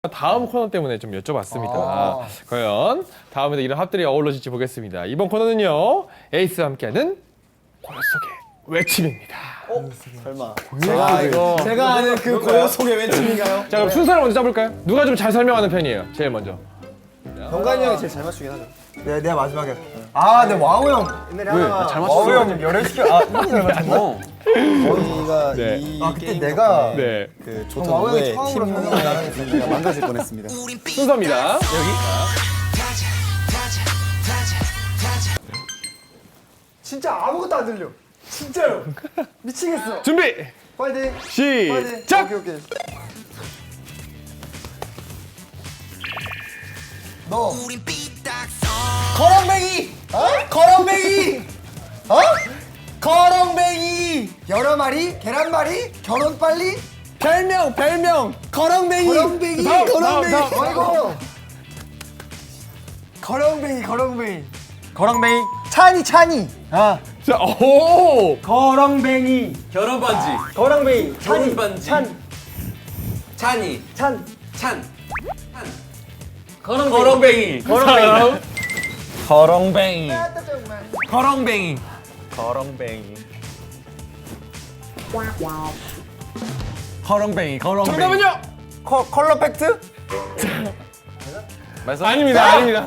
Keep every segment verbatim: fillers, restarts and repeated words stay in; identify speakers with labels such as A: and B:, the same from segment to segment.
A: 다음 코너 때문에 좀 여쭤봤습니다.
B: 아.
A: 과연 다음에도 이런 합들이 어우러질지 보겠습니다. 이번 코너는요, 에이스와 함께하는 고요 속의 외침입니다.
B: 설마.
A: 제가 이거
B: 제가 아는 그 고요 속의 외침인가요?
A: 자, 그럼 순서를 먼저 짜볼까요? 누가 좀 잘 설명하는 편이에요? 제일 먼저.
B: 병관이 형이 제일 잘 맞추긴 하죠. 네, 내가 마지막에. 아, 네, 와우 형. 옛날에 하나.
C: 잘
B: 와우
C: 맞췄어.
B: 형 열애시켜. 아, 형이 잘 맞췄나?
C: 어.
D: 저희가
A: 네.
D: 이
B: 아, 그때
D: 게임
B: 내가
A: 네.
D: 그
B: 와우 형이
D: 조턴우의
B: 처음으로
D: 팀의 분위기가 망가질 뻔했습니다.
A: 순서입니다.
B: 진짜 아무것도 안 들려. 진짜요. 미치겠어.
A: 준비!
B: 파이팅.
A: 시작!
B: 오케이, 오케이. 너. 거렁뱅이. 어? 거렁뱅이. 어? 거렁뱅이. 여러 마리, 계란말이, 결혼 빨리. 별명, 별명. 거렁뱅이. 거렁뱅이.
A: 다음,
B: 거렁뱅이.
A: 다음, 다음.
B: 아이고. 거렁뱅이, 거렁뱅이. 거렁뱅이. 찬이, 찬이. 아.
A: 자, 오!
B: 거렁뱅이.
C: 결혼 반지.
B: 거렁뱅이. 찬이.
C: 결혼 반지.
B: 찬.
C: 찬이.
B: 찬.
C: 찬. 거렁뱅이.
A: 다음.
C: 거렁뱅이.
B: 거렁뱅이.
C: 거렁뱅이.
D: 거렁뱅이.
C: 거렁뱅이. 거렁뱅이.
A: 정답은요?
B: 컬 컬러 팩트?
A: 아닙니다, 아닙니다.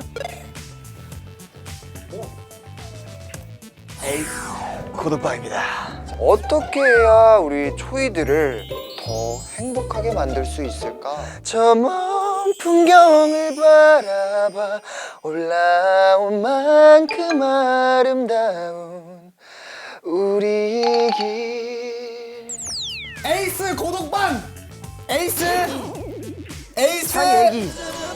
D: 구독방입니다.
E: 어떻게 해야 우리 초이들을 더 행복하게 만들 수 있을까? 저 먼 풍경을 바라봐 올라온 만큼 아름다운 우리 길.
B: 에이스 고독방. 에이스. 에이스.
E: 찬이 얘기.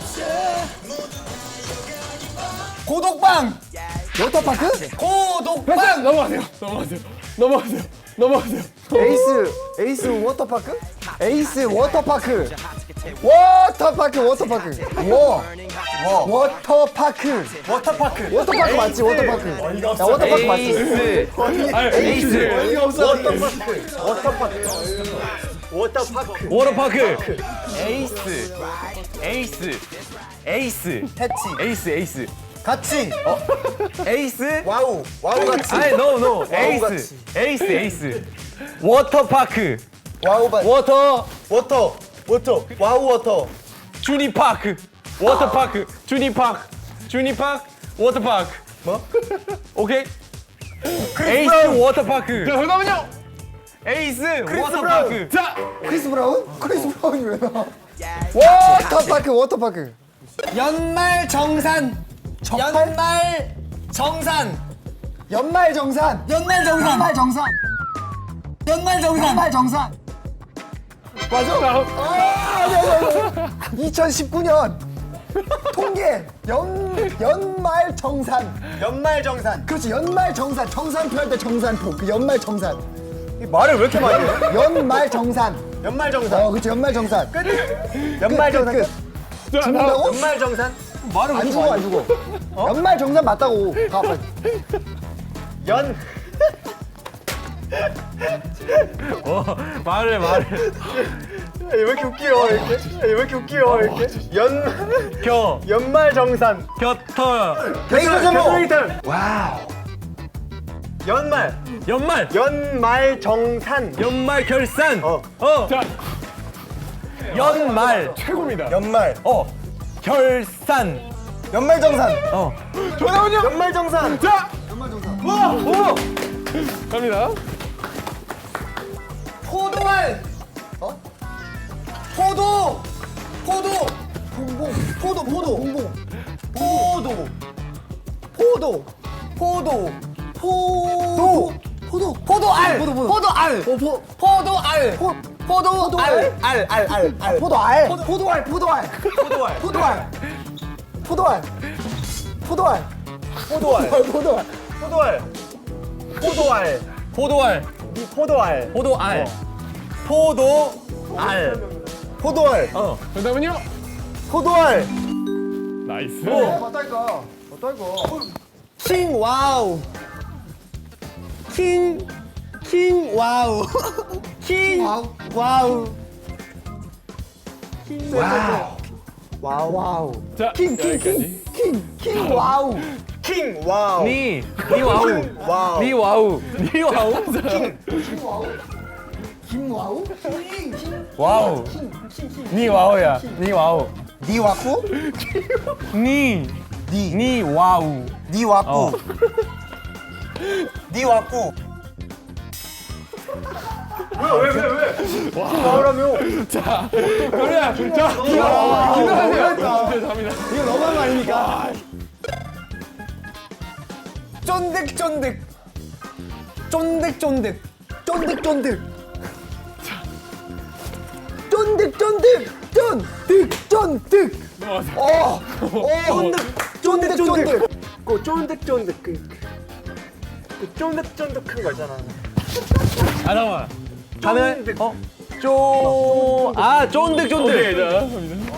B: 고독방. 워터파크? 고독방.
A: 넘어가세요, 넘어가세요, 넘어가세요, 넘어가세요.
B: 에이스. 에이스 워터파크? 에이스 워터파크. 워터파크 워터파크. 워. 워터파크. 워터파크. 워터파크 맞지? 워터파크. 야 워터파크 맞지?
A: 아니, 에이스.
B: 어이가 없어. 워터파크. 워터파크. 워터파크.
C: 워터파크. 에이스. 에이스. 에이스.
B: 패치.
C: 에이스. 에이스.
B: 같이.
C: 에이스.
B: 와우. 와우 같이.
C: 아니 노 노. 에이스.
B: 같이.
C: 에이스. 에이스. 워터파크.
B: 와우 반.
C: 워터.
B: 워터. 워터. 와우 워터.
C: 주니파크. 워터파크. 주니파크. 주니파크. 워터파크.
B: 뭐?
C: 오케이. 에이스 워터파크.
A: 자, 정답은요?
C: 에이스
B: 크리스
C: 워터파크.
A: 자,
B: 크리스 브라운? 크리스 브라운이 왜 나와? 워터파크 워터파크. 연말 정산. 연말 정산. 연말 정산. 연말 정산. 연말 정산. 연말 정산. 연말 정산. 맞아?
A: 다음.
B: 이천십구 년 통계 연 연말 정산. 연말 정산. 그렇지 연말 정산. 정산표 할 때 정산표. 그 연말 정산. 말을 왜 이렇게 많이 해? 연말 정산. 연말 정산. 어, 그렇지 연말 정산. 끝. 연말 정산 끝.
A: 자, 다음.
B: 죽는다고? 연말 정산? 말을 안 죽어 안 죽어. 연말 정산 맞다고. 가 빨리. 연.
C: 어, 말을 말을.
B: 왜 이렇게 웃기요 이렇게? 왜 이렇게 웃기요 이렇게? 연
C: 겨.
B: 연말 정산.
C: 곁터.
B: 데이터 제목. 와우. 연말.
C: 연말.
B: 연말 정산.
C: 연말 결산.
B: 어.
C: 어.
A: 자,
C: 연말.
A: 최고입니다.
B: 연말.
C: 어. 결산.
B: 연말 정산.
C: 어.
A: 정답은요?
B: 연말 정산.
A: 자,
B: 연말 정산.
A: 와, 오! 갑니다.
B: 포도알. 어? 포도. 포도. 봉봉. 포도 포도. 봉봉. 포도. 포도. 포도. 포도. 포도. 포도알. 포도 포도. 포도알. 포 포도알. 포 포도알. 알 알 알 알. 포도알. 포도알. 포도알. 포도알. 포도알. 포도알. 포도알. 포도알. 포도알. 포도알. 포도알.
C: 포도알.
B: 이 포도알.
C: 포도알. 포도알.
B: 포도알.
C: 어.
A: 정답은요?
B: 포도알.
A: 나이스.
B: 어떨까? 어떨까? 킹 와우. 킹. 킹 와우. 킹 와우. 와우. 킹 와우. 와우. 와우.
A: 자,
B: 킹, 킹,
A: 여기까지.
B: 킹, 킹, 킹, 와우.
D: 킹 와우.
C: 니, 니 와우.
D: 와우.
C: 니 와우. 니 와우.
B: 김 와우? 킹, 킹,
C: 와우.
B: 킹, 킹, 킹.
C: 니 와우야. 니 와우.
D: 니 와꾸?
C: 니.
D: 니.
C: 니 와우.
D: 니 와꾸. 니 와꾸.
A: 자, 그래. 자, 기도하세요. 기도합니다.
B: 이거 너무한 거 아닙니까? 쫀득쫀득. 쫀득쫀득. 쫀득쫀득. 쫀득쫀득. 쫀득, 쫀득. 어, 어, 쫀득, 쫀득.
F: 그 쫀득쫀득 그, 그 쫀득쫀득한 거 있잖아.
C: 아, 잠깐만. 하늘, 어? 쪼, 아, 쫀득쫀득.
A: 오케이, 자, 갑니다.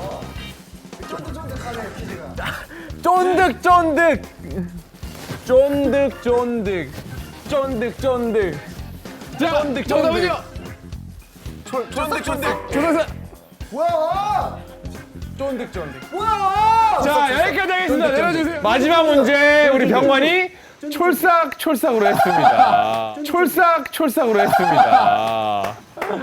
C: 쫀득쫀득. 쫀득쫀득. 쫀득쫀득.
A: 자, 정답은요?
C: 쫀득쫀득.
A: 조선사.
B: 뭐야?
C: 쫀득쫀득.
B: 뭐야?
A: 자, 여기까지 하겠습니다. 내려주세요. 마지막 문제, 우리 병관이 촐싹촐싹으로 했습니다. 촐싹촐싹으로 했습니다.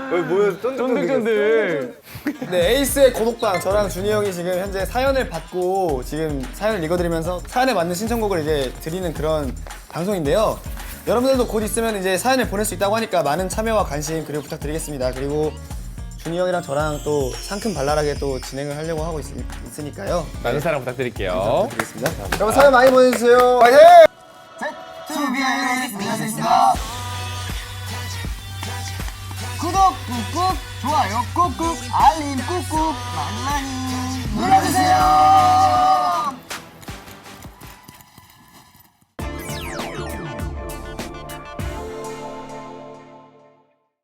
C: 쫀득쫀득.
B: 네, 에이스의 고독방 저랑 준이 형이 지금 현재 사연을 받고 지금 사연을 읽어드리면서 사연에 맞는 신청곡을 이제 드리는 그런 방송인데요. 여러분들도 곧 있으면 이제 사연을 보낼 수 있다고 하니까 많은 참여와 관심 그리고 부탁드리겠습니다. 그리고 준이 형이랑 저랑 또 상큼발랄하게 또 진행을 하려고 하고 있, 있으니까요.
A: 많은 사랑 부탁드릴게요.
B: 드리겠습니다. 여러분 사연 많이 보내주세요. 화이팅! 구독 꾹꾹, 좋아요 꾹꾹, 알림 꾹꾹, 많이 많이